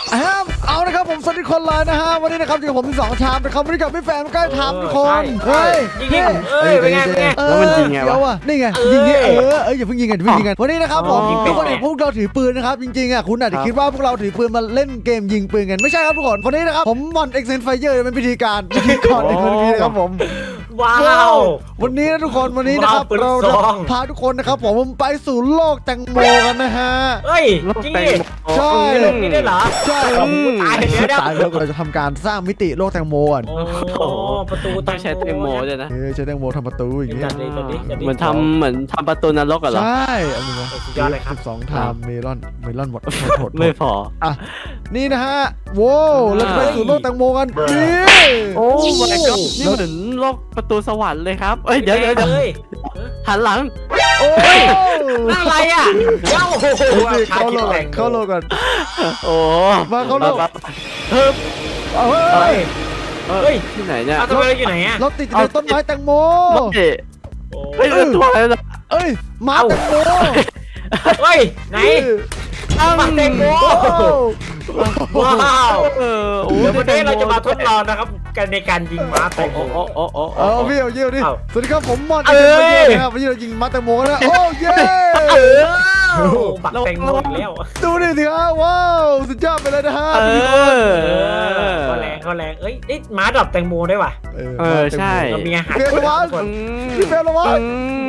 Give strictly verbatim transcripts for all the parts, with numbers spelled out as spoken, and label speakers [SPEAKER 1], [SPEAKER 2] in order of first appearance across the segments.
[SPEAKER 1] เอานะครับผมสวัสดีคนเลยนะฮะวันนี้นะครับอยู่กับผมที่สองชามนะครับวันนี้กับพี่แฟนใกล้ทำทุกคนเฮ้ยพี่เอ้ยเป็นไงเป็นไงแล้วมันจริงไงวะนี่ไงยิงนี่เออเอออย่าเพิ่งยิงกันอย่าเพิ่งยิงกันวันนี้นะครับผมทุกคนเห็นพวกเราถือปืนนะครับจริงๆอ่ะคุณอาจจะคิดว่าพวกเราถือปืนมาเล่นเกมยิงปืนกันไม่ใช่ครับทุกคนวันนี้นะครับผมมอนเอ็กเซนไฟเยอร์เป็นพิธีการพิธีกรในคนนี้นะครับผม
[SPEAKER 2] ว้าว
[SPEAKER 1] วันนี้นะทุกคนวันนี้นะครับเราพาทุกคนนะครับผมไปสู่โลกแตงโมกันนะฮะ
[SPEAKER 2] เฮ้ยจริงดิ
[SPEAKER 1] ใช่
[SPEAKER 2] โลกนี้ได้เหรอ
[SPEAKER 1] ใช่
[SPEAKER 2] ตายเดี๋ยว
[SPEAKER 1] ตายแล้วเราจะทำการสร้างมิติโลกแตงโมอ่ะ
[SPEAKER 2] โอ้ประตู
[SPEAKER 3] ต้องใช้แตงโมด้วยนะ
[SPEAKER 1] เออใช้แตงโมทำประตูอย่างเงี้ย
[SPEAKER 3] เหมือนทำเหมือนทำประตูนรกเหรอ
[SPEAKER 1] ใช่อันนี้นะ
[SPEAKER 2] สุดยอดเลยครับ
[SPEAKER 1] สองไทม์เมลอนเมลอนหมดหมด
[SPEAKER 3] ไม่พอ
[SPEAKER 1] อ่ะนี่นะฮะโว้เราจะไปสู่โลกแตงโมกันนี่
[SPEAKER 3] โอ้ my god นี่เหมือนโลกประตูสวรรค์เลยครับเอ้ยเดี๋ยวเดี๋ยวหันหลัง
[SPEAKER 1] โอ้
[SPEAKER 2] ยอะไรอ่ะเจ้า
[SPEAKER 1] เข้าโลกเข้าโลกกัน
[SPEAKER 3] โอ้
[SPEAKER 1] มาเข้าโลก
[SPEAKER 3] เฮ้ย
[SPEAKER 1] เฮ้ย
[SPEAKER 3] เฮ้ยที่ไหนเนี่ย
[SPEAKER 2] ทำไมเราอยู่ไหนอ่ะ
[SPEAKER 1] เราติดในต้นไม้แตงโม
[SPEAKER 3] เฮ้ยตัวอะไรล่ะ
[SPEAKER 1] เอ้ยมาแตงโม
[SPEAKER 2] เฮ้ยไหนมาแตงโมว้าวเออเดี๋ยววันนี้เราจะมาทดลองนะครับกันในการยิงม้าแตงโม
[SPEAKER 3] โอ้โอ้โอ้
[SPEAKER 1] โอ้พี่เอาเยี่ยวดิสวัสดีครับผมมอนเอเอนะครับวันนี้เรายิงม้าแตงโมกันนะโอ้เย้
[SPEAKER 2] บักแตงโมแล้ว
[SPEAKER 1] ดูดิสิครับว้าวสุดยอดไปเลยนะฮะ
[SPEAKER 2] ทุกคนเขาแรงเขาแรงเอ้ยม้าดอกแตงโมได้ป่ะ
[SPEAKER 3] เออใช่
[SPEAKER 2] เรามีอาหาร
[SPEAKER 1] เฟลวัตพี่เฟลวัต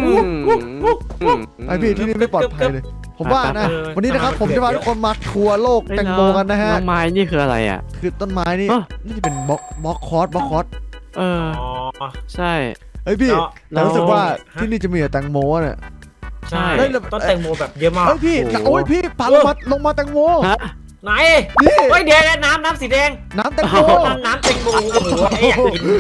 [SPEAKER 1] ไอพี่ที่นี่ไม่ปลอดภัยเลยผมว่านะวันนี้นะครับผมจะพาทุกคนมาทัวร์โลกแตงโมกันนะฮะ
[SPEAKER 3] ต้นไม้นี่คืออะไรอ่ะ
[SPEAKER 1] คือต้นไม้นี่นี่จะเป็นบล็อกบล็อกคอร์สบล็อกคอร์ส
[SPEAKER 3] เออใช่
[SPEAKER 1] เฮ้ยพี่แต่รู้สึกว่าที่นี่จะมีแต่แตงโมเนี่ย
[SPEAKER 2] ใช่ต้นแตงโมแบบเยอะมาก
[SPEAKER 1] เฮ้ยพี่โอ้ยพี่พาลงมาลงมาแตงโม
[SPEAKER 2] ไหนนี่เฮ้ยเดี๋ยวน้ำน้ำสีแดง
[SPEAKER 1] น้ำแตงโม
[SPEAKER 2] น้ำแตงโมโอ้โหไอ้อยากกิน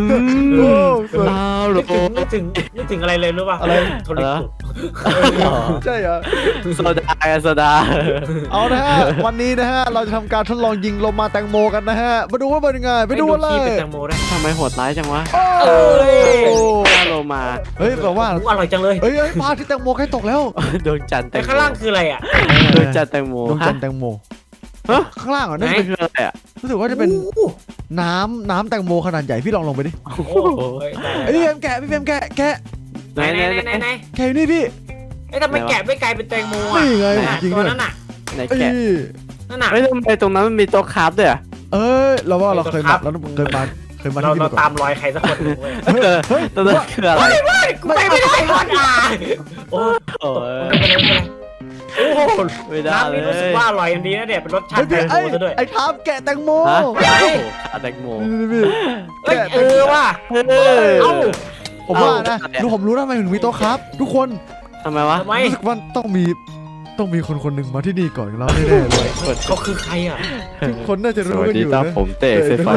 [SPEAKER 2] นึกถึงนึกถึงนึกถึงอะไรเลยรู้ป่ะ
[SPEAKER 1] อะไร
[SPEAKER 2] โทรศัพท์
[SPEAKER 1] ใช่เหรอ
[SPEAKER 3] โซดาโซดา
[SPEAKER 1] เอานะฮะวันนี้นะฮะเราจะทำการทดลองยิงลงมาแตงโมกันนะฮะมาดูว่าเป็นยังไงไปดูเลย
[SPEAKER 3] ทำไมโหดร้ายจังวะ
[SPEAKER 2] เอ้ย
[SPEAKER 3] โลมา
[SPEAKER 1] เฮ้ยแบบว่า
[SPEAKER 2] อร่อยจังเลย
[SPEAKER 1] เฮ้ยพาที่แตงโมใกล้ตกแล้ว
[SPEAKER 3] ดวงจันทร์แตงโม
[SPEAKER 2] ข้างล่างคืออะไรอ่ะ
[SPEAKER 3] ดวงจันทร์แตงโม
[SPEAKER 1] ดวงจันทร์แตงโมข้างล่างอ่ะนั่น
[SPEAKER 3] คืออะไรอ่ะ
[SPEAKER 1] รู้สึกว่าจะเป็นน้ำน้ำแตงโมขนาดใหญ่พี่ลองลงไปดิไอ้พี่เฟมแกะพี่เฟมแกะแกะ
[SPEAKER 2] ไหนไหนไหนไหน
[SPEAKER 1] แกะนี่พี่
[SPEAKER 2] ไอ้ทำไมแกะไม่กลายเป็นแตงโมอ่ะ
[SPEAKER 1] นี่ไงจริง
[SPEAKER 2] ตัวนั้นอ่ะ
[SPEAKER 3] ไหนแกะ
[SPEAKER 2] นั่นน่ะ
[SPEAKER 3] ไม่ทำไมตรงนั้นมันมีโต๊ะคราฟด้วยอ่ะ
[SPEAKER 1] เอ้ยเราว่าเราเคยมาเราเคยมาเคยมาที่นี่
[SPEAKER 2] เราตามรอยใครสักคน
[SPEAKER 3] เฮ้ยตัวนั้นคืออะไร
[SPEAKER 2] ไม่ไม่ไม่ได้ก่อนอ่ะโอ้โหโอ้โหน้ำนี่รู้สึกว่าอร่อยดีนะเนี่ยเป็นรสชาติแตงโมซะด้วย
[SPEAKER 1] ไอ้ทามแกะแตงโม
[SPEAKER 3] แตงโม
[SPEAKER 2] เอ้ยเออว่ะเอ้า
[SPEAKER 1] ผมว่านะรู้ผมรู้ทำไมถึงมีโต๊ะครับทุกคน
[SPEAKER 3] ทำไมวะ
[SPEAKER 1] รู้สึกว่าต้องมีต้องมีคนคนหนึ่งมาที่นี่ก่อนเราแน่ๆเลย
[SPEAKER 2] เขาคือใครอ่ะ
[SPEAKER 1] ทุกคนน่าจะรู้กันอยู่นะ
[SPEAKER 3] ผมเตะเซฟไฟ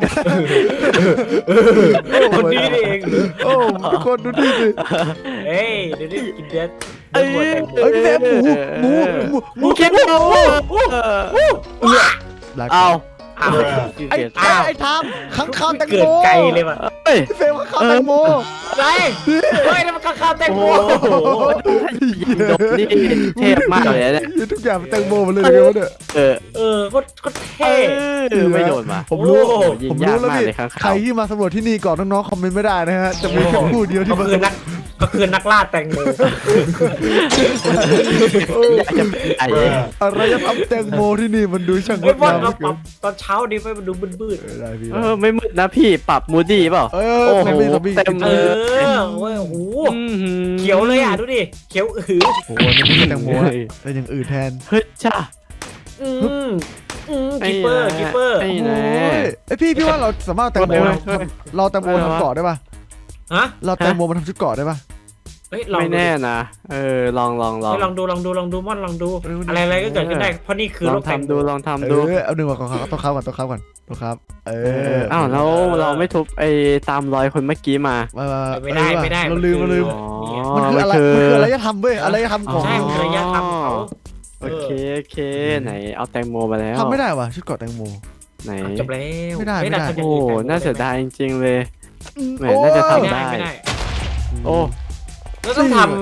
[SPEAKER 2] คนนี้เอง
[SPEAKER 1] โอ้ทุกคนดูดิสิ
[SPEAKER 2] เฮ้ยเดี๋ยวนี้กินเด็ด
[SPEAKER 1] เอ้ยพี่แซมหมูหมูหมูหมูเค็มหมู
[SPEAKER 3] เอา
[SPEAKER 1] ไอ้ไอ้ทามข้างข้าวแตงโม
[SPEAKER 2] เกิดไกลเลยว่ะ
[SPEAKER 1] พี่เฟลข้าวแตงโม
[SPEAKER 2] ไรเฮ้ยมันข้าวแตงโม
[SPEAKER 3] นี่เทพมากเลยเนี่ย
[SPEAKER 1] ทุกอย่างเป็นแตงโมหมดเลยเลยวะเนี่ย
[SPEAKER 3] เออ
[SPEAKER 2] เออก็ก็เท่
[SPEAKER 3] ไม่โดนมา
[SPEAKER 1] ผมรู้ผมรู้แล้วพี่ใครที่มาสำรวจที่นี่ก่อนน้องๆคอมเมนต์ไม่ได้นะฮะจะมีแค่ผู้เดียวที่มา
[SPEAKER 2] คือนักก็คือนักล่าแตงโม
[SPEAKER 1] อะไรจะทำแตงโมที่นี่มันดูช่างงดงาม
[SPEAKER 2] ตอนเช้าดีไปมันดูมืด
[SPEAKER 3] ๆเออไม่มืดนะพี่ปรับมูดี้เปล่า
[SPEAKER 1] เออโอ้โห
[SPEAKER 2] เต็มเออโอ้โหเขียวเลยอ่ะดูดิเขียวอือ
[SPEAKER 1] โอ้โหนี่ไม่ใช่แตงโมแต่อย่างอื่นแทน
[SPEAKER 3] เฮ้ยจ้า
[SPEAKER 2] อืมกิปเปอร์กิปเปอร์
[SPEAKER 1] ไอ้พี่พี่ว่าเราสามารถแตงโมเราแตงโมทำเกาะได้ป่ะ
[SPEAKER 2] ฮะ
[SPEAKER 1] เราแตงโมมันทำชุดเกาะได้ป่ะ
[SPEAKER 3] ไม่แน่นะเออลองลองลอง
[SPEAKER 2] ลองดูลองดูลองดูม่อนลองดูอะไรอะไรก็เกิดขึ้นได้เพราะนี่คือ
[SPEAKER 3] ลองทำดูลองทำดู
[SPEAKER 1] เอาหนึ่งก่อนครับต้องเข้าก่อนต้องเข้าก่อนต้องครับเออ
[SPEAKER 3] อ้าวแล้วเราไม่ทุบไอ้ตามรอยคนเมื่อกี้มา
[SPEAKER 2] ไม่ได้ไม่ได้
[SPEAKER 1] เราลืมเราลืมมันคืออะไรมันคืออะไรจะทำเว้ยอะไรจะทำของ
[SPEAKER 2] ใช่มันคืออะไรจะทำ
[SPEAKER 3] โอเคโอเคไหนเอาแตงโมมาแล้ว
[SPEAKER 1] ทำไม่ได้ว่ะชุดเกาะแตงโม
[SPEAKER 3] ไหน
[SPEAKER 2] จบแล้ว
[SPEAKER 1] ไม่ได้ไม่ได้
[SPEAKER 3] โอ้น่าเสียดายจริงๆเลยแหมน่าจะทำได้
[SPEAKER 2] ไม่ได้
[SPEAKER 3] โอ้
[SPEAKER 2] แล้วต้องท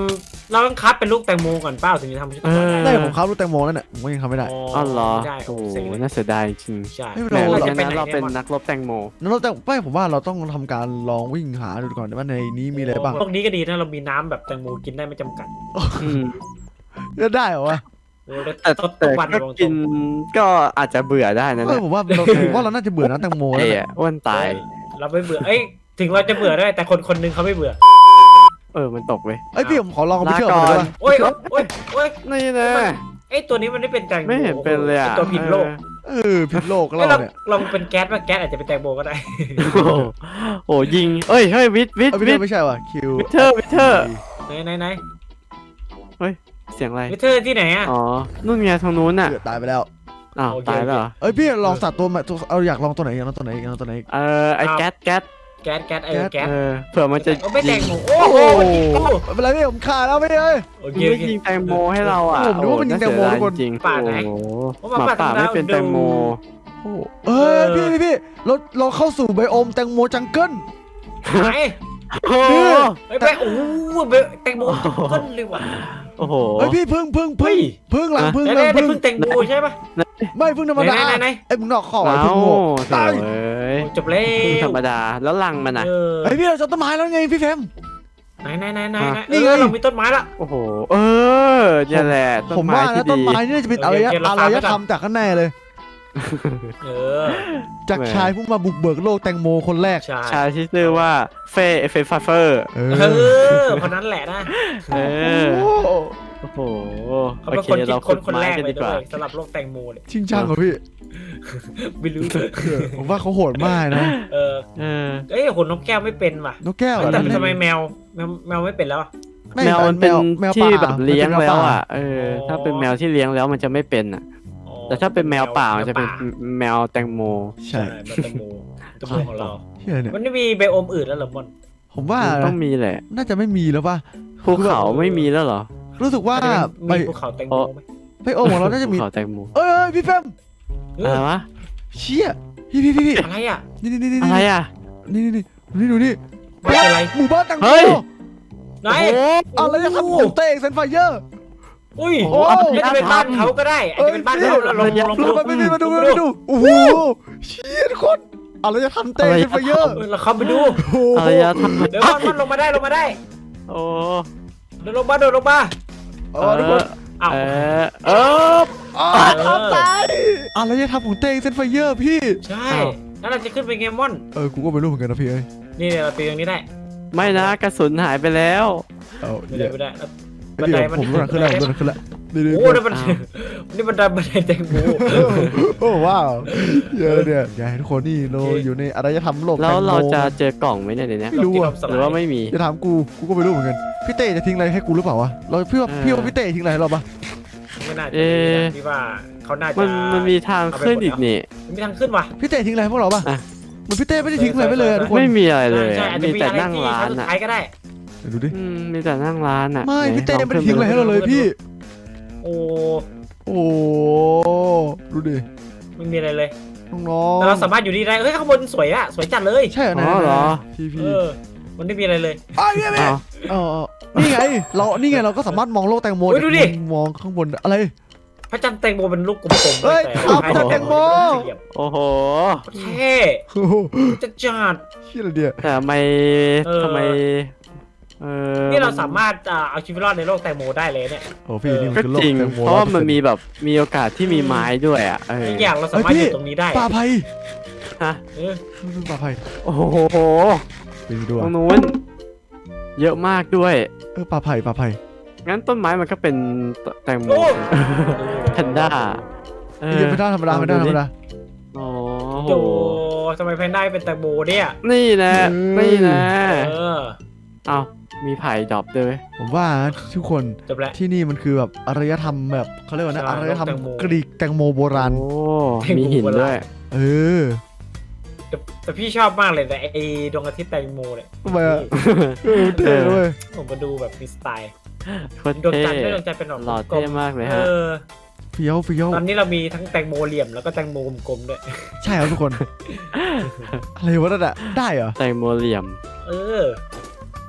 [SPEAKER 2] เราต้องคัดเป็นลูกแตงโมก่อนเปล่าถึงจะทำชุดตะวัน
[SPEAKER 1] ได้
[SPEAKER 2] ได้
[SPEAKER 1] ผมครับลูกแตงโมนั่นแหละผมก็ยังทำไม่ได้
[SPEAKER 3] อ๋อเหรอ
[SPEAKER 2] ได้
[SPEAKER 3] โอ้โห
[SPEAKER 2] เสร็จเลย
[SPEAKER 3] น่าเสียดายจริง
[SPEAKER 2] ใช่
[SPEAKER 1] ไม่
[SPEAKER 3] แหม
[SPEAKER 1] เรา
[SPEAKER 3] เรา
[SPEAKER 2] จะไป
[SPEAKER 3] เป็น
[SPEAKER 2] ไหน
[SPEAKER 3] เราเป็น
[SPEAKER 2] ย
[SPEAKER 3] นักรบแตงโม
[SPEAKER 1] นั่นเราแต่ไม่ผมว่าเราต้องทำการลองวิ่งหาดูก่อนว่าในนี้มีอะไรบ้าง
[SPEAKER 2] พวกนี้ก็ดีนะเรามีน้ำแบบแตงโมกินได้ไม่จำกัด
[SPEAKER 3] อืม
[SPEAKER 1] จะได้เหรอวะ
[SPEAKER 2] โอ้แล้ว
[SPEAKER 3] แต่
[SPEAKER 2] ต้น
[SPEAKER 3] แต่
[SPEAKER 2] วัน
[SPEAKER 3] ก็
[SPEAKER 2] ลง
[SPEAKER 3] กินก็อาจจะเบื่อได้นะ
[SPEAKER 1] เอ
[SPEAKER 3] เนี่
[SPEAKER 1] อยผมว่าเราผมว่าเราน่าจะเบื่อน้ำแตงโมแล้ว
[SPEAKER 3] ไอ้
[SPEAKER 1] เนี่ย
[SPEAKER 3] อะอ้วนตาย
[SPEAKER 2] เราไม่เบื่อเอ้ยถึงเราจะเบื่อได้แต่คนคนนึงเขาไม่เบื่อ
[SPEAKER 3] เออมันตกเว้ย
[SPEAKER 1] เอ้ยพี่ผมขอลองเอาไป
[SPEAKER 3] ลา
[SPEAKER 1] เชื่อม
[SPEAKER 3] ก่
[SPEAKER 1] มัน
[SPEAKER 3] อ
[SPEAKER 1] ได้
[SPEAKER 3] น
[SPEAKER 1] ปะ
[SPEAKER 2] โอ้ยโอ้ยโอ้ย
[SPEAKER 3] นี่นะ
[SPEAKER 2] ไอ้ตัวนี้มันไม่เป็นแตงโม
[SPEAKER 3] ไม่เห็นเป็นเลยอ่ะ
[SPEAKER 2] ตัวผิดโลก
[SPEAKER 1] เออผิดโลก
[SPEAKER 2] เอ้ย
[SPEAKER 1] เรา
[SPEAKER 2] เรา
[SPEAKER 1] เนี่ย
[SPEAKER 2] ลองเป็นแก๊สว่าแก๊สอาจจะเป็นแตงโมก็ได้
[SPEAKER 3] โอ้โหโอ้ยิงเอ้ยเฮ้ยวิทวิท
[SPEAKER 1] เอ้ย
[SPEAKER 3] วิ
[SPEAKER 1] ไม่
[SPEAKER 3] ท
[SPEAKER 1] ใช่ไม่ใช่ว่ะคิว
[SPEAKER 3] วิทเทอร์วิทเทอร์
[SPEAKER 2] ไหนไหนไหน
[SPEAKER 3] เสียงอะไร
[SPEAKER 2] วิเทอร์ที่ไหนอ่ะ
[SPEAKER 3] อ๋อนู่นไงทางนู้นน่ะ
[SPEAKER 1] เกือบตายไปแล้ว
[SPEAKER 3] อ้าว
[SPEAKER 2] โอเค
[SPEAKER 3] ตายแล้วเหรอ
[SPEAKER 1] เอ้ยพี่ลองสัตว์ตัวใหม่ตัวเอาอยากลองตัวไหนอยากลองตัวไหนอยากลองตัวไหน
[SPEAKER 3] เออไอแก๊สแก๊ส
[SPEAKER 2] แก๊สแก๊สเออแก๊ส
[SPEAKER 3] เออเผื่อมันจะ
[SPEAKER 2] เอาไม่แต
[SPEAKER 3] ยิ
[SPEAKER 2] ง
[SPEAKER 3] ง
[SPEAKER 2] โมโอ้โหมันยิงกู
[SPEAKER 1] ไม่เป็นไรพี่ผมขาดแล้วพี่เอ้ย
[SPEAKER 2] โอเค
[SPEAKER 3] มัน
[SPEAKER 2] โอ
[SPEAKER 3] ไม่
[SPEAKER 2] เค
[SPEAKER 3] ยิงแตงโมให้เราอ่ะ
[SPEAKER 1] ผมนึกว่ามันยิงแตงโมทุกคน
[SPEAKER 3] จริง
[SPEAKER 2] ป่าไหน
[SPEAKER 3] โอ้โห
[SPEAKER 2] เพราะ
[SPEAKER 3] ห
[SPEAKER 2] ว่า
[SPEAKER 3] มาป่า
[SPEAKER 2] ป่า
[SPEAKER 3] ไม่เป็นแตงโม
[SPEAKER 1] โอ้เอ้ยพี่พี่พี่เราเราเข้าสู่ไบโอมแตงโมจังเกิล
[SPEAKER 2] ไหน
[SPEAKER 3] โอ้โห
[SPEAKER 2] เฮ้ยไปโอ้โหแตงโมต้นเลยว่ะ
[SPEAKER 3] โอ้โห
[SPEAKER 1] เฮ้ยพี่พึ่งพึ่ง
[SPEAKER 2] เฮ้
[SPEAKER 1] พึ่ง
[SPEAKER 2] ย
[SPEAKER 1] พึ่งหลังพึ่ง
[SPEAKER 2] ได้
[SPEAKER 1] หลัง
[SPEAKER 2] ได้
[SPEAKER 1] พึ่ง
[SPEAKER 2] เพิ่งแตงโมใช่ปะ
[SPEAKER 1] ไม่พึ่งธรรมดา
[SPEAKER 2] ไหนไหนไหน
[SPEAKER 1] ไอ้ยมึงนอกข้อ
[SPEAKER 3] เอ้า
[SPEAKER 1] ไอ้พึ่งโง่
[SPEAKER 3] โถ่เอ้ย
[SPEAKER 2] จบแล้ว
[SPEAKER 3] พึ่งธรรมดาแล้วลังมันอ่ะ
[SPEAKER 2] เออ
[SPEAKER 1] ไอ้ยพี่เราจะต้นไม้แล้วไงพี่แฟม
[SPEAKER 2] ไหนไหนไหนไหน
[SPEAKER 3] อ่ะ
[SPEAKER 2] นี่ไงเรามีต้นไม้ละ
[SPEAKER 3] โอ้โหเออเนี่ยแหละต้
[SPEAKER 1] ผ
[SPEAKER 3] น
[SPEAKER 1] ม
[SPEAKER 3] ไม้
[SPEAKER 1] ว่า
[SPEAKER 3] ที่
[SPEAKER 1] นะต้น
[SPEAKER 3] ดี
[SPEAKER 1] ไม้นี่น่าจะเป็น
[SPEAKER 2] โอ
[SPEAKER 1] อาร
[SPEAKER 2] เค
[SPEAKER 1] ยะ
[SPEAKER 2] โอเคเรา
[SPEAKER 1] อา
[SPEAKER 2] ฟั
[SPEAKER 1] รง
[SPEAKER 2] ไว้
[SPEAKER 1] ย
[SPEAKER 2] ก่อน
[SPEAKER 1] ธรรมจากข้างในเลย
[SPEAKER 2] เออ
[SPEAKER 1] จาก
[SPEAKER 3] แหม
[SPEAKER 1] ชายผู้มาบุกเบิกโลกแตงโมคนแรก
[SPEAKER 2] ใช่
[SPEAKER 3] ชายที่ชื่อว่าเฟเฟฟาเฟอร์
[SPEAKER 1] เอ
[SPEAKER 2] เอ
[SPEAKER 1] อ
[SPEAKER 2] อคนนั้นแหละนะ
[SPEAKER 3] เออ
[SPEAKER 1] โอ้โห
[SPEAKER 3] โอ้โห
[SPEAKER 2] เขา
[SPEAKER 3] โอ
[SPEAKER 2] เป็น
[SPEAKER 3] เค
[SPEAKER 2] คนคิด
[SPEAKER 3] เรา
[SPEAKER 2] ค
[SPEAKER 3] ขุ
[SPEAKER 2] น
[SPEAKER 3] ด
[SPEAKER 2] คน
[SPEAKER 3] ไม้
[SPEAKER 2] แรก
[SPEAKER 3] กัน
[SPEAKER 2] เล
[SPEAKER 3] ดี
[SPEAKER 2] ย
[SPEAKER 3] กว่า
[SPEAKER 2] ด้วยสำหรับโลกแตงโมเลย
[SPEAKER 1] ชิงช่างเหรอพี่
[SPEAKER 2] ไม่รู้
[SPEAKER 1] เออผมว่าเขาโหดมากนะ
[SPEAKER 2] เออ
[SPEAKER 3] เออ
[SPEAKER 2] เอ้ยขนนกแก้วไม่เป็นว่ะ
[SPEAKER 1] นกแก้วเหรอ
[SPEAKER 2] แต่
[SPEAKER 1] นั่น
[SPEAKER 2] ทำไมแมวแมวแมวไม่เป็นแล้วอะ
[SPEAKER 1] ไม่
[SPEAKER 3] แมวมันเป็น
[SPEAKER 1] แมว
[SPEAKER 3] ที่
[SPEAKER 1] ป่า
[SPEAKER 3] แบบเลี้ยง
[SPEAKER 1] มันเป็น
[SPEAKER 3] แล้ว
[SPEAKER 1] ป่า
[SPEAKER 3] อ่ะเออถ้าเป็นแมวที่เลี้ยงแล้วมันจะไม่เป็นอ่ะ
[SPEAKER 2] อ๋อ
[SPEAKER 3] แต่ถ้าเป็นแมวป่ามันจะเป็น
[SPEAKER 2] แมว
[SPEAKER 3] แมวแตงโม
[SPEAKER 1] ใช่
[SPEAKER 2] ใช่แมวแตงโมแตงโมของเรา
[SPEAKER 1] เฮียเนี่ย
[SPEAKER 2] มันไม่มีไบโอมอื่นแล้วเหรอมอน
[SPEAKER 1] ผมว่า
[SPEAKER 3] มัน
[SPEAKER 1] นะ
[SPEAKER 3] ต้องมีแหละ
[SPEAKER 1] น่าจะไม่มีแล้วป่ะ
[SPEAKER 3] ภูเขาไม่มีแล้วเหรอ
[SPEAKER 1] รู้สึกว่าไป
[SPEAKER 2] มีภูเขาแตงโมไหม
[SPEAKER 1] ไปโอของเราน่าจะมี
[SPEAKER 3] ภูเขาแตงโม
[SPEAKER 1] เอ้ยเอ้ยพี่แฟม
[SPEAKER 2] เอ
[SPEAKER 3] อะไร
[SPEAKER 2] อ
[SPEAKER 3] วะ
[SPEAKER 1] เชี่ยพี่พี่พี่พี่
[SPEAKER 2] อะไรอ่ะ
[SPEAKER 1] นี่นี่นี่นี่
[SPEAKER 3] อะไรอ่ะ
[SPEAKER 1] นี่นี่นี่ดูนี่
[SPEAKER 2] ไม่เป็นไร
[SPEAKER 1] หมู่บ้านแตงโม
[SPEAKER 3] เฮ้ย
[SPEAKER 2] ไหน
[SPEAKER 3] โอ้โห
[SPEAKER 1] อะไรจะทำของเต้เซนไฟเยอร์
[SPEAKER 2] อุ้ย
[SPEAKER 1] โอ้
[SPEAKER 2] อาจจะเป็นบ้านเขาก็ได้อาจจะเป็นบ้านเขาเราลองลอง
[SPEAKER 1] ล
[SPEAKER 2] ดู
[SPEAKER 1] งมาไปดูมาดูมาดูโอ้โหเชี่ยคนอะไรจะทำเต้เซนไฟเยอร์
[SPEAKER 2] เออเราเข้าไปดู
[SPEAKER 1] โอ้โห
[SPEAKER 3] อะไรอะทำ
[SPEAKER 2] เดี๋ยวมันมันลงมาได้ลงมาได้
[SPEAKER 3] โอ้
[SPEAKER 2] เดินลงมาเดินลงมา
[SPEAKER 1] เออทุกคน
[SPEAKER 2] อ้าว
[SPEAKER 3] เออเออ
[SPEAKER 1] อ๋อทำตายอะไรจะทำของเต้เซนไฟเยอร์พี่
[SPEAKER 2] ใช่แล้วเราจะขึ้นไปเกมมอน
[SPEAKER 1] เออกูก็ไม่รู้เหมือนกันนะพี่เอ้ย
[SPEAKER 2] นี่เราตีตรงนี้ได้
[SPEAKER 3] ไม่นะกระสุนหายไปแล้ว
[SPEAKER 1] เอา
[SPEAKER 2] ไม่
[SPEAKER 1] เดี๋
[SPEAKER 2] ได้
[SPEAKER 1] ยว
[SPEAKER 2] ไม่ได้
[SPEAKER 1] เดี๋ยวผมรู้หนักขึ้นแล้วผมรู้หนักขึ้นแล้วนี่นี่
[SPEAKER 2] โอ้นี่มันนี่มันดันบันไดแตงโม
[SPEAKER 1] โอ้ว้าวเยอะเนี่ยอยากให้ทุกคนนี่เราอยู่ในอารยธรรมโลก
[SPEAKER 3] แล้ว
[SPEAKER 1] แตงโม
[SPEAKER 3] เราจะเจอกล่องไหมเนี่ยเดี๋ยวนี้
[SPEAKER 1] ไม่รู้อะ
[SPEAKER 3] หรือว่าไม่มี
[SPEAKER 1] จะถามกูกูก็ไม่รู้เหมือนกันพี่เต้จะทิ้งอะไรให้กูหรือเปล่าวะเราพี่ว่า
[SPEAKER 3] เออ
[SPEAKER 1] พี่ว่าพี่เต้ทิ้งอะไรให้เราปะ
[SPEAKER 2] ไม่น่าจะ
[SPEAKER 3] เอ๊ะ
[SPEAKER 2] พี่ว่าเขาน่าจะ
[SPEAKER 3] มันมันมีทางขึ้นอีกนี่
[SPEAKER 2] มันมีทางขึ้นว่ะ
[SPEAKER 1] พี่เต้ทิ้งอะไรให้พวกเราปะ
[SPEAKER 3] อ่ะ
[SPEAKER 1] เหมันพี่เต้ไม่ได้ทิ้งอะไรไปเลยอะทุกคน
[SPEAKER 3] ไม่มีอะไรเลย
[SPEAKER 2] ใช่อาจจะ
[SPEAKER 3] มี
[SPEAKER 2] มี
[SPEAKER 3] แต่
[SPEAKER 2] อะไร
[SPEAKER 3] นั่ง
[SPEAKER 2] ที่
[SPEAKER 3] ร้า
[SPEAKER 2] ครั้
[SPEAKER 3] น
[SPEAKER 2] งสุด
[SPEAKER 3] อ่ะ
[SPEAKER 2] ท้ายก็ได้
[SPEAKER 1] เดี๋ยวดูดิ
[SPEAKER 3] อืมมีแต่นั่งร้านอ่ะ
[SPEAKER 1] ไม่
[SPEAKER 3] หน
[SPEAKER 1] พี่เต้
[SPEAKER 3] ลอง
[SPEAKER 1] ไม่ได้
[SPEAKER 3] ขึ้
[SPEAKER 1] ทิ้งอะไรให้เราเลยพี่
[SPEAKER 2] โอ้
[SPEAKER 1] โอ้ดูดิ
[SPEAKER 2] ไม่มีอะไรเลย
[SPEAKER 1] น้องๆ
[SPEAKER 2] แต่เราสามารถอยู่ดีได้เฮ้ยข้างบนสวยอะสวยจัดเลย
[SPEAKER 1] ใช่เหรอ
[SPEAKER 3] อ๋อเหรอ
[SPEAKER 1] พี่
[SPEAKER 2] เอ
[SPEAKER 1] พี่
[SPEAKER 2] อ มันไม่มีอะไรเลย
[SPEAKER 1] อ้าวพี่พี่
[SPEAKER 3] อ้าว
[SPEAKER 1] เออนี่ไงเรานี่ไงเราก็สามารถมองโลกแตงโม
[SPEAKER 2] เฮ้ยดูดิ
[SPEAKER 1] มองข้างบนอะไร
[SPEAKER 2] พระจันทร์แตงโมเป็นลูกกลมๆ
[SPEAKER 1] เฮ้ย
[SPEAKER 2] แต่
[SPEAKER 1] เอาพระจันทร์แตงโม
[SPEAKER 3] โอ้โห
[SPEAKER 2] เท่
[SPEAKER 1] โอ้โห
[SPEAKER 2] จะจัด
[SPEAKER 1] เชี่ยอะไรเดีย
[SPEAKER 3] แต่ทำไม
[SPEAKER 2] เออ
[SPEAKER 3] ทำไมเออ
[SPEAKER 2] นี่เราสามารถอ่าเอาชีวิตรอดในโลกแตงโมได้เลยเนี่ย
[SPEAKER 1] โอ้พี่นี่มัน
[SPEAKER 3] ก็
[SPEAKER 1] คือโลก
[SPEAKER 3] จริง
[SPEAKER 1] แตงโม
[SPEAKER 3] เพราะว่ามัน
[SPEAKER 1] ร้อยเปอร์เซ็นต์
[SPEAKER 3] มีแบบมีโอกาสที่มีไม้ด้วยอ่ะเออ
[SPEAKER 2] อีกอย่างเราสามารถอยู่ตรงนี้ได้
[SPEAKER 1] ป่าไผ่
[SPEAKER 3] ฮะ
[SPEAKER 2] เออ
[SPEAKER 1] ป่าไผ่
[SPEAKER 3] โอ้โห
[SPEAKER 1] ไปดูด้วย
[SPEAKER 3] ตรงนู้นเยอะมากด้วย
[SPEAKER 1] เออป่าไผ่ป่าไผ่
[SPEAKER 3] งั้นต้นไม้มันก็เป็นแตงโม
[SPEAKER 2] โอ้
[SPEAKER 3] แพนด้าเออ
[SPEAKER 1] เดี๋ยวไม่ได้ธรรมดาไม่ได้ธรรมดา
[SPEAKER 3] โอ้
[SPEAKER 2] โอ้
[SPEAKER 3] โห
[SPEAKER 2] ทำไมแพนด้าเป็นแตงโมเนี่ย
[SPEAKER 3] นี่นะ
[SPEAKER 1] เออ
[SPEAKER 3] นี่นะ
[SPEAKER 2] เออ
[SPEAKER 3] เอามีไผ่ดรอปด้วย
[SPEAKER 1] ผมว่าทุกคน
[SPEAKER 2] จบแล้ว
[SPEAKER 1] ที่นี่มันคือแบบอารยธรรมแบบเขาเรียกว่านะ
[SPEAKER 2] ใช่
[SPEAKER 1] อารยธรรม
[SPEAKER 2] แตงโม
[SPEAKER 1] กรีกแตงโมโบราณ
[SPEAKER 3] โอ้
[SPEAKER 2] แตงโม
[SPEAKER 3] มีหิน
[SPEAKER 2] โบราณ
[SPEAKER 3] ด้วย
[SPEAKER 1] เออ
[SPEAKER 2] แต่แต่พี่ชอบมากเลยแต่ไอ้ดวงอาทิตย์แตงโมเนี่ย
[SPEAKER 1] ทำไมอะเออเท่เลย
[SPEAKER 2] ผมมาดูแบบมีสไตล์
[SPEAKER 3] โคตร
[SPEAKER 2] ดวง
[SPEAKER 3] เท่
[SPEAKER 2] จันทร์ด้วยดวงจันทร์เป็นแบบ
[SPEAKER 3] หล่อก
[SPEAKER 2] ล
[SPEAKER 3] เท่
[SPEAKER 2] ม
[SPEAKER 3] มากเลย
[SPEAKER 2] ๆเอ
[SPEAKER 3] ฮะ
[SPEAKER 2] อ
[SPEAKER 1] เฟี้ยวเฟี้ยว
[SPEAKER 2] ตอนนี้เรามีทั้งแตงโมเหลี่ยมแล้วก็แตงโมกลมๆด้วย
[SPEAKER 1] ใช่ครับทุกคน อะไรวะนั่นอะได้เหรอ
[SPEAKER 3] แตงโมเหลี่ยม
[SPEAKER 2] เออ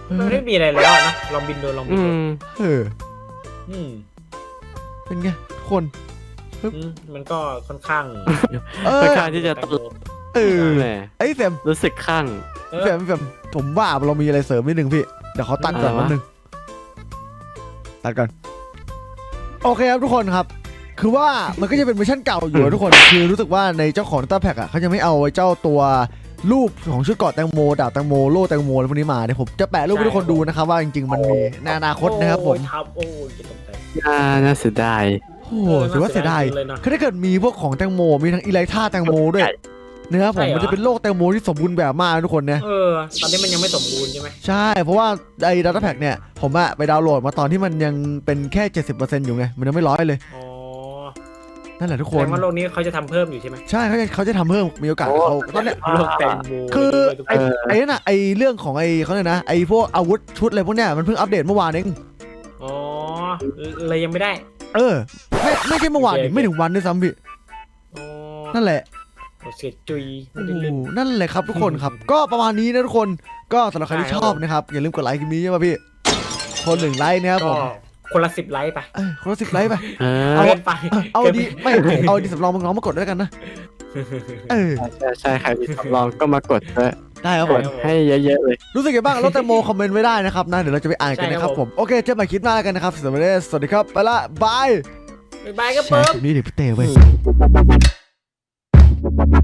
[SPEAKER 2] มันไม่มีอะไรแล้วนะลองบินดูลองบิ
[SPEAKER 3] อื
[SPEAKER 2] นดู
[SPEAKER 3] ม
[SPEAKER 1] เออ
[SPEAKER 2] อืม
[SPEAKER 1] เป็นไงทุกคน
[SPEAKER 2] อืมมันก็ค่อนข้าง
[SPEAKER 1] เออ
[SPEAKER 3] ค่อนข้างที่จะตลก
[SPEAKER 1] เออ
[SPEAKER 3] แหม
[SPEAKER 1] ไอ้แฟม
[SPEAKER 3] รู้สึกข้าง
[SPEAKER 2] เออ
[SPEAKER 1] แฟมแฟมผมว่าเรามีอะไรเสริมนิดนึงพี่เดี๋ยวเขาตัดก่อน
[SPEAKER 3] อะไรวะ
[SPEAKER 1] นิดนึงตัดก่อนโอเคครับทุกคนครับ คือว่ามันก็จะเป็นเวอร์ชันเก่าอยู่นะทุกคนคือรู้สึกว่าในเจ้าของดัตต้าแพ็กอ่ะเขาจะไม่เอาไอ้เจ้าตัวรูปของชุดเกราะแตงโมดาบแตงโมโล่แตงโมอะไรพวกนี้มาเดี๋ยวผมจะแปะรูปให้ทุกคนดูนะครับว่าจริงๆมันมีในอนาคตนะครับผม
[SPEAKER 2] โอ้ยทับโอ้ยจะตกใจ
[SPEAKER 3] น่าน่าเสียดาย
[SPEAKER 1] โอ้โหถือว่าเสียดาย
[SPEAKER 2] เลยนะ
[SPEAKER 1] คือถ้าเกิดมีพวกของแตงโมมีทั้งอีไลท่าแตงโมด้วยนะครับผม
[SPEAKER 2] ใช่เหรอ
[SPEAKER 1] มันจะเป็นโลกแตงโมที่สมบูรณ์แบบมากนะทุกคนเนี่ย
[SPEAKER 2] เออตอนนี้มันยังไม่สมบูรณ์ใช่ไหม
[SPEAKER 1] ใช่เพราะว่าไอ้ดัตต้าแพ็กเนี่ยผมอะไปดาวน์โหลดมาตอนที่มันยังเป็นแค่ เจ็ดสิบเปอร์เซ็นต์ อยู่ไงมันยังไม่ร้อยเลย
[SPEAKER 2] อ๋อ
[SPEAKER 1] นั่นแหละทุก
[SPEAKER 2] แส
[SPEAKER 1] ค
[SPEAKER 2] ด
[SPEAKER 1] น
[SPEAKER 2] งว่าโลกนี้เขาจะทำเพิ่มอยู่ใช่ไหม
[SPEAKER 1] ใช่เขาจะเขาจะทำเพิ่มมีโอกาสเขาตอนเนี้ย
[SPEAKER 2] โลกแตงโม
[SPEAKER 1] คือ
[SPEAKER 2] เลยทุก
[SPEAKER 1] ไอ้
[SPEAKER 2] คน
[SPEAKER 1] ไอ้นั่นน่ะไอ้เรื่องของไอ้เขาเนี่ยนะไอ้พวกอาวุธชุดอะไรพวกเนี้ยมันเพิ่งอัปเดตเมื่อวานเอง
[SPEAKER 2] อ๋อเลยยังไม่ได้
[SPEAKER 1] เออไม่ไม่ใช่เมื่อวาน
[SPEAKER 2] โอเค
[SPEAKER 1] ดิไม่ถึงวันด้วยซ้ำพี่
[SPEAKER 2] อ๋อ
[SPEAKER 1] นั่นแหละ
[SPEAKER 2] เสียจุย
[SPEAKER 1] โอ้
[SPEAKER 2] ไม่
[SPEAKER 1] โห
[SPEAKER 2] ได้เล่น
[SPEAKER 1] นั่นแหละครับทุกคนครับ ก็ประมาณนี้นะทุกคนก็สำหรับใครที่ชอบนะครับอย่าลืมกดไลค์คลิปนี้ใช่ป่ะพี่คนหนึ่งไลค์นะครับผ
[SPEAKER 2] ก็
[SPEAKER 1] ม
[SPEAKER 2] คนละสิบไลค์ไป
[SPEAKER 1] เออคนละสิบไลค์ไป
[SPEAKER 3] เออ
[SPEAKER 1] เอา
[SPEAKER 2] เกินไป
[SPEAKER 1] เออเอาดีไม่เอาดีสำรองมึงน้องมากดด้วยกันนะเออ
[SPEAKER 3] ใช่ใช่ใครมีทดลองก็มากดด้วย
[SPEAKER 1] ได้ครับ
[SPEAKER 3] ก
[SPEAKER 1] ผ
[SPEAKER 3] ด
[SPEAKER 1] ม
[SPEAKER 3] ให้เยอะๆเลย
[SPEAKER 1] รู้สึกยังไงบ้างรถแตงโมคอมเมนต์ไว้ได้นะครับนะเดี๋ยวเราจะไปอ่านกันนะครับผมโอเคเจอกันใหม่คลิปหน้ากันนะครับสวัสดีสวัสดีครับไปละบาย
[SPEAKER 2] บ๊ายบายครับ
[SPEAKER 1] แช
[SPEAKER 2] เปิ้
[SPEAKER 1] ร์
[SPEAKER 2] ม
[SPEAKER 1] คลิปนี้เดี๋ยวพี่เต้เว้ย